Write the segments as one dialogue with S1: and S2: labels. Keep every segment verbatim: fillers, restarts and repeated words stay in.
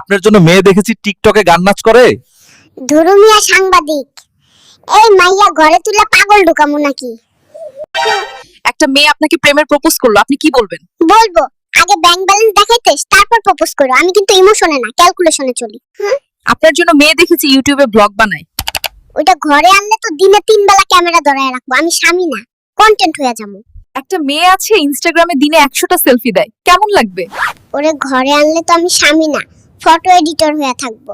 S1: আপনার জন্য মেয়ে দেখেছি টিকটকে গান নাচ করে।
S2: ধুরুমিয়া সাংবাদিক, এই মাইয়া ঘরে তুলে পাগল ঢুকামু নাকি?
S3: একটা মেয়ে আপনাকে প্রেমের প্রপোজ করলো, আপনি কি বলবেন?
S2: বলবো আগে ব্যাংক ব্যালেন্স দেখাইতে তারপর প্রপোজ করো। আমি কিন্তু ইমোশনে না, ক্যালকুলেশনে চলি।
S3: আপনার জন্য মেয়ে দেখেছি ইউটিউবে ব্লগ বানায়।
S2: ওইটা ঘরে আনলে তো দিনে তিন বেলা ক্যামেরা ধরায় রাখবো। আমি স্বামী না, কন্টেন্ট হয়ে যাবো।
S3: একটা মেয়ে আছে ইনস্টাগ্রামে দিনে একশোটা সেলফি দেয়, কেমন লাগবে?
S2: ওরে ঘরে আনলে তো আমি স্বামী না, ফটো এডিটর হয়ে থাকবো।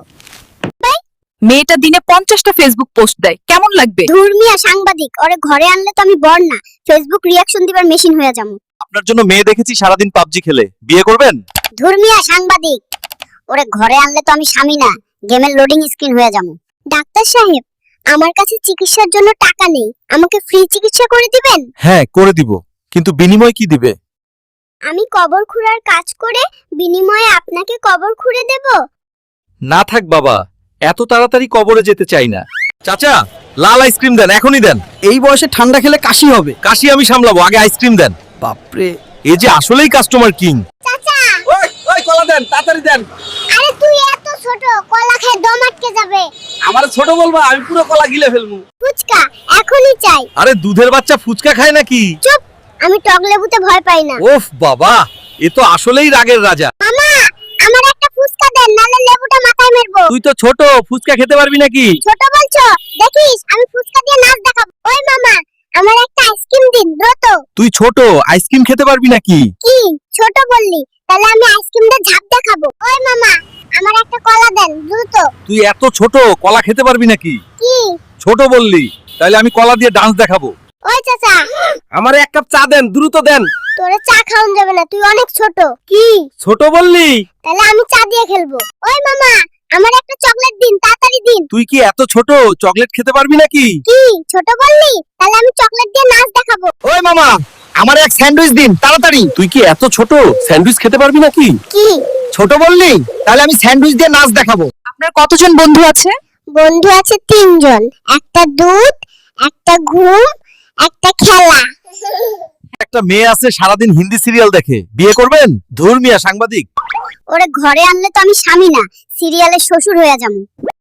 S3: মেয়েটা দিনে পঞ্চাশটা ফেসবুক পোস্ট দেয়, কেমন লাগবে?
S2: ধর্মীয় সাংবাদিক, ওরে ঘরে আনলে তো আমি বর না, ফেসবুক রিয়াকশন দিবার মেশিন হয়ে যাবো।
S1: আপনার জন্য মেয়ে দেখেছি সারাদিন পাবজি খেলে, বিয়ে করবেন?
S2: ধর্মীয় সাংবাদিক, ওরে ঘরে আনলে তো আমি স্বামী না, গেমের লোডিং স্ক্রিন হয়ে যাবো। ডাক্তার সাহেব, আমার কাছে চিকিৎসার জন্য টাকা নেই, আমাকে ফ্রি চিকিৎসা করে দিবেন?
S1: হ্যাঁ করে দিব, কিন্তু বিনিময় কি দিবে?
S2: আমি কবর খুঁড়ার কাজ করে বিনিময়ে আপনাকে কবর খুঁড়ে দেব?
S1: না থাক বাবা, এত তাড়াতাড়ি কবরে যেতে চাই না। চাচা, লাল আইসক্রিম দেন, এখনই দেন।
S4: এই বয়সে ঠান্ডা খেলে কাশি হবে।
S1: কাশি আমি সামলাবো, আগে আইসক্রিম দেন।
S4: বাপরে,
S1: এ যে আসলেই কাস্টমার কিং।
S2: চাচা,
S4: ওই ওই কলা দেন, তাড়াতাড়ি দেন।
S2: আরে তুই এত ছোট, কলা খেয়ে দম আটকে যাবে।
S4: আমার ছোট বলবা, আমি পুরো কলা গিলে ফেলবো।
S2: ফুচকা এখনই চাই।
S1: আরে দুধের বাচ্চা ফুচকা খায় নাকি?
S2: চুপ, আমি টক লেবুতে ভয় পাই না।
S1: ওফ বাবা, এ তো আসলেই রাগের রাজা।
S2: মামা, আমার একটা ফুচকা দেন, নালে লেবুটা মাথায় মেরবো।
S1: তুই তো ছোট, ফুচকা খেতে পারবি নাকি?
S2: ছোট বলছো? দেখিস আমি ফুচকা দিয়ে নাচ দেখাবো। ওই মামা, আমার একটা আইসক্রিম দিন দ্রুত।
S1: তুই ছোট, আইসক্রিম খেতে পারবি নাকি?
S2: কি ছোট বললি? তাহলে আমি আইসক্রিম দিয়ে ঝাঁপ দেখাবো। ওই মামা, আমার একটা কলা দেন দ্রুত।
S1: তুই এত ছোট, কলা খেতে পারবি নাকি?
S2: কি
S1: ছোট বললি, তাহলে আমি কলা দিয়ে ডান্স দেখাবো।
S2: ওই চাচা,
S4: আমার এক কাপ চা দেন, দ্রুত দেন।
S2: তোরে চা খাওয়ান যাবে না, তুই অনেক ছোট। কি
S4: ছোট বললি?
S2: তাহলে আমি চা দিয়ে খেলবো। ওই মামা, আমার একটা চকলেট দিন, তাড়াতাড়ি দিন।
S1: তুই কি এত ছোট, চকলেট খেতে পারবি নাকি?
S2: কি ছোট বললি? তাহলে আমি চকলেট দিয়ে নাচ দেখাবো।
S1: ওই মামা, আমার এক স্যান্ডউইচ দিন তাড়াতাড়ি। তুই কি এত ছোট, স্যান্ডউইচ খেতে পারবি নাকি?
S2: কি
S1: ছোট বললি, তাহলে আমি স্যান্ডউইচ দিয়ে নাচ দেখাবো।
S3: আপনার কতজন বন্ধু আছে?
S2: বন্ধু আছে তিনজন, একটা দুধ, একটা ঘুম, একটা খেলা।
S1: একটা মেয়ে আছে সারাদিন হিন্দি সিরিয়াল দেখে, বিয়ে করবেন? ধর্মীয় সাংবাদিক।
S2: ওরে ঘরে আনলে তো আমি স্বামী না, সিরিয়ালের শ্বশুর হয়ে যাবো।